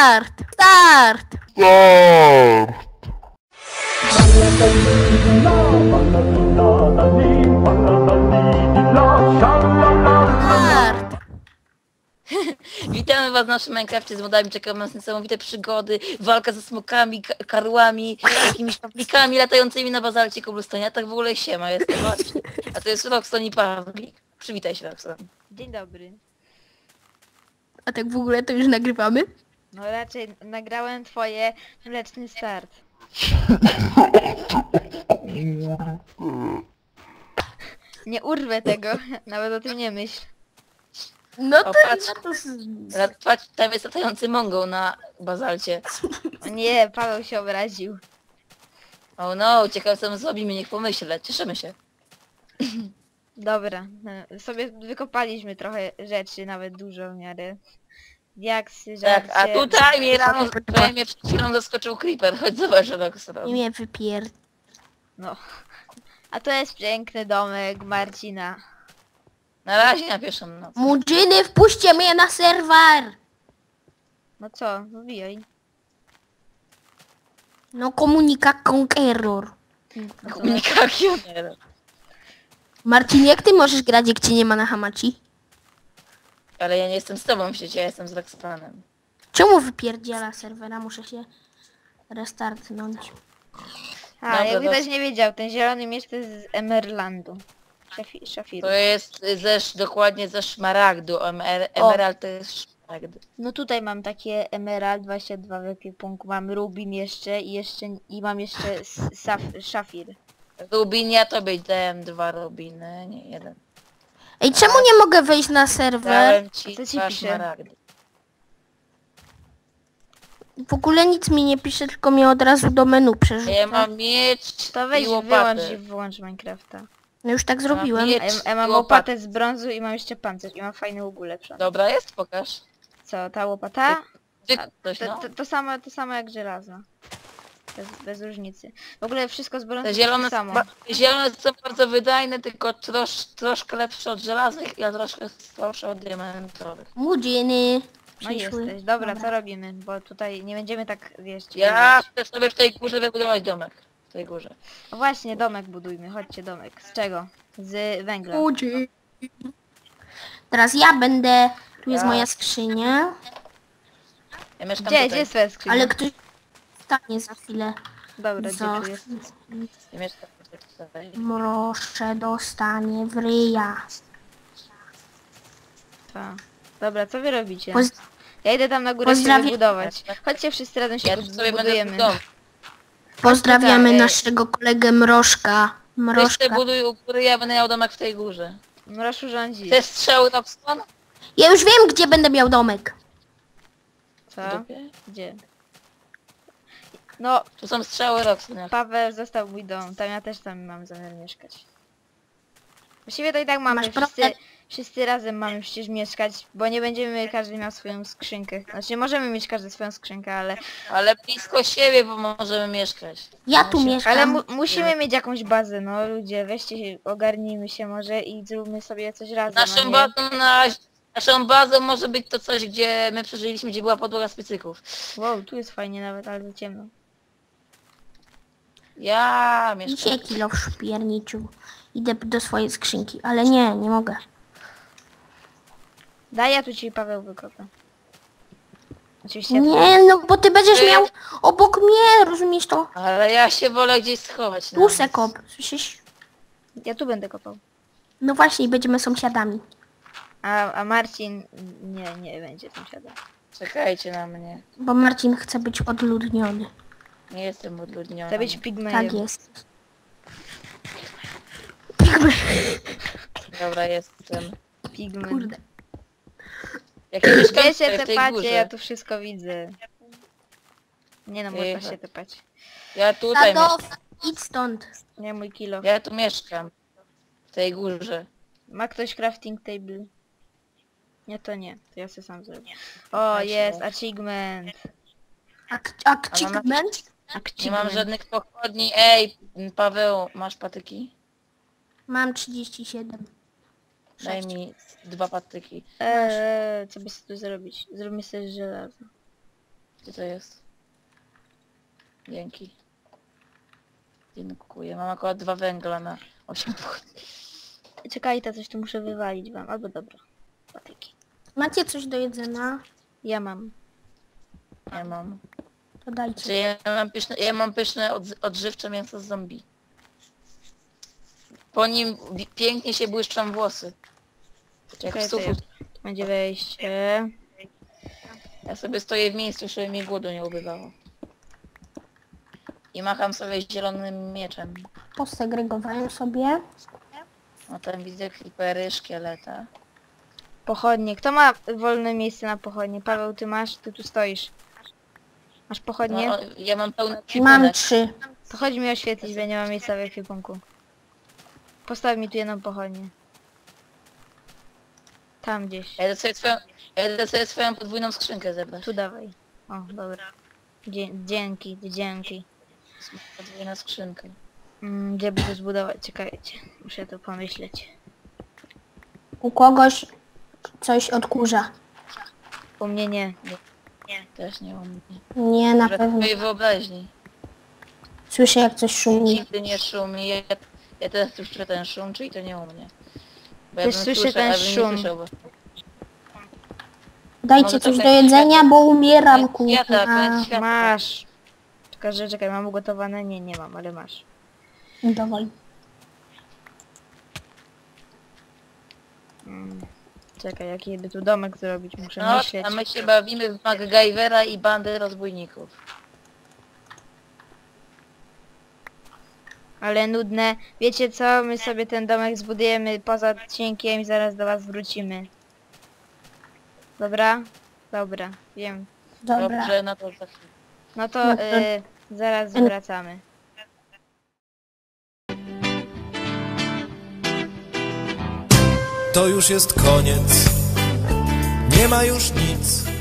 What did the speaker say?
Start! Start! Start! Witamy was w naszym Minecrafcie z modami, czekamy nas niesamowite przygody, walka ze smokami, karłami, jakimiś pawlikami latającymi na bazalcie koblestone. A tak w ogóle siema, jestem Marcin. A to jest Roxton i Pawlik. Przywitaj się, Roxton. Dzień dobry. A tak w ogóle to już nagrywamy? No raczej nagrałem twoje mleczny start. Nie urwę tego, nawet o tym nie myśl. No O, to... patrz. No to... Patrz, tam jest latający mongol na bazalcie. O nie, Paweł się obraził. Oh no, ciekawe co my zrobimy, niech pomyślę, cieszymy się. Dobra, sobie wykopaliśmy trochę rzeczy, nawet dużo w miarę. Diaksy, Tak, a żarcie. tutaj mnie przed chwilą zaskoczył creeper, chodź zobacz, Roxton. Nie mnie wypier... No. A to jest piękny domek Marcina. Na razie na pierwszą noc. Murzyny, wpuśćcie mnie na serwer! No co, wbijaj. No komunika conqueror. No co, Komunikacja. Marcin, jak ty możesz grać, jak cię nie ma na Hamachi? Ale ja nie jestem z tobą w sieci, ja jestem z Roxtonem. Czemu wypierdziela serwera? Muszę się restartnąć. A, Dobra, jakby to- ktoś nie wiedział, ten zielony miecz to jest z Emerlandu. Szafiru. To jest dokładnie ze szmaragdu. Emerald to jest szmaragd. No tutaj mam takie emerald 22 w ekwipunku, mam rubin jeszcze i mam jeszcze szafir. Rubin, ja tobie dałem 2 rubiny, nie 1. Ej, czemu nie mogę wejść na serwer? Dałem ci Co ci 2 pisze? szmaragdy. W ogóle nic mi nie pisze, tylko mnie od razu do menu przerzuca. Ja mam miecz To weź i wyłącz łopatę. i wyłącz Minecrafta. No już tak zrobiłem. miecz. A ja mam i łopatę z brązu i mam jeszcze pancerz i mam fajny łuk ulepszony. Dobra, jest, pokaż. Co, ta łopata? Ty A, coś, no. to samo jak żelazna. Bez różnicy. W ogóle wszystko z brązu Te jest zielone, to samo. te zielone są bardzo wydajne, tylko troszkę lepsze od żelaznych, a troszkę słabsze od diamentowych. Murzyny No przyszły. jesteś. Dobra, co robimy? Bo tutaj nie będziemy tak, wiesz... Ja biegać. chcę sobie w tej górze wybudować domek. W tej górze. O właśnie, domek budujmy. Chodźcie, domek. Z czego? Z węgla. Murzyny. Teraz ja będę... Tu jest Ja. moja skrzynia. Ja mieszkam Gdzie tutaj. jest twoja skrzynia? Ale ktoś stanie za chwilę. Dobra, Za... gdzie tu jest? Ja mieszkam tutaj. Proszę, dostanie w ryja. Ta. Dobra, co wy robicie? Poz... Ja idę tam na górę się Pozdrawiam- wybudować. Chodźcie wszyscy razem się Ja tu sobie będę budujemy. w domu. Pozdrawiamy tutaj. naszego kolegę Mrożka. Weź Mrożka. te buduj u góry, ja będę miał domek w tej górze. Mroszu rządzi. Chcesz strzały Roxton? Ja już wiem, gdzie będę miał domek. Co? W dupie? Gdzie? No, Tu są strzały Roxton. Paweł został mój dom. Tam ja też tam mam zamiar mieszkać. Właściwie to i tak mamy. Masz problem? Wszyscy razem mamy przecież mieszkać, bo nie będziemy każdy miał swoją skrzynkę. Znaczy możemy mieć każdy swoją skrzynkę, Ale blisko siebie, bo możemy mieszkać. Ja tu mieszkam. ale musimy mieć jakąś bazę, no ludzie, weźcie się, ogarnijmy się może i zróbmy sobie coś razem. a Naszą nie- bazą, naszą bazą może być to coś, gdzie my przeżyliśmy, gdzie była podłoga z piecyków. Wow, tu jest fajnie nawet, ale za ciemno. Ja mieszkam. Dzisiaj kilo szpierniczył. Idę do swojej skrzynki, ale nie mogę. Daj, ja tu ci Paweł wykopę. Oczywiście. Nie, no bo ty będziesz miał obok mnie, rozumiesz to? Ale ja się wolę gdzieś schować. Tu se kop, słyszysz? Ja tu będę kopał. No właśnie, będziemy sąsiadami. A Marcin nie będzie tam siadał. Czekajcie na mnie. Bo Marcin chce być odludniony. Nie jestem odludniony. Chcę być pigmejem. Tak jest. Dobra, jestem. Pigment. Kurde. Jak ja mieszkam Wy się tutaj w tej tepacie, górze. ja tu wszystko widzę. Nie no, można Ej, się tepać. Ja tutaj Tato, mieszkam. idź stąd. Nie mój kilo. Ja tu mieszkam. W tej górze. Ma ktoś crafting table? Nie, to nie. To ja sobie sam zrobię. O, jest, achievement. Achievement? Nie mam żadnych pochodni. Ej, Paweł, masz patyki? Mam 37. Daj mi 2 patyki. Co by sobie tu zrobić? Zróbmy sobie żelazo. Gdzie to jest? Dzięki. Dziękuję. Mam akurat 2 węgla na 8 pochodni. Czekaj, to coś tu muszę wywalić wam. Albo dobra. Patyki. Macie coś do jedzenia? Ja mam. Ja mam. To dajcie. Czy ja mam pyszne odżywcze mięso z zombie. Po nim pięknie się błyszczą włosy. Jak Czekaj, w to sufit. tu będzie wejście. Ja sobie stoję w miejscu, żeby mi głodu nie ubywało. I macham sobie zielonym mieczem. Posegregowałem sobie. No tam widzę creepery, szkieleta. Pochodnie. Kto ma wolne miejsce na pochodnie? Paweł, ty masz? Ty tu stoisz. Masz pochodnie? No, ja mam pełny Mam ekwipunek. 3. To chodź mi oświetlić, bo nie mam miejsca w ekwipunku. Postaw mi tu jedną pochodnię. Tam gdzieś. Ja idę sobie swoją podwójną skrzynkę zebrać. Tu dawaj. O, dobra. Dzięki, dzięki. Podwójna skrzynka. Gdzie by to zbudować? Czekajcie. Muszę to pomyśleć. U kogoś coś odkurza. U mnie nie. Też nie mam. Nie, na Że pewno. twojej wyobraźni. Słyszę jak coś szumi. Nigdy nie szumi. Ja też słyszę ten szum, czyli to nie u mnie. Bo Też bym słyszę ten ale bym nie szum. słyszał, bo... Dajcie Może coś to do jest jedzenia, światło. bo umieram, Światła, to kurwa. jest światło. Masz. Czekaj, mam ugotowane? Nie, nie mam, ale masz. Dawaj. Czekaj, jaki by tu domek zrobić? Muszę No, myśleć. a my się bawimy w MacGyvera i bandy rozbójników. Ale nudne. Wiecie co? My sobie ten domek zbudujemy poza odcinkiem i zaraz do was wrócimy. Dobra? Dobra, wiem. Dobra. Dobrze, no to za chwilę. No to No to- zaraz wracamy. To już jest koniec, nie ma już nic.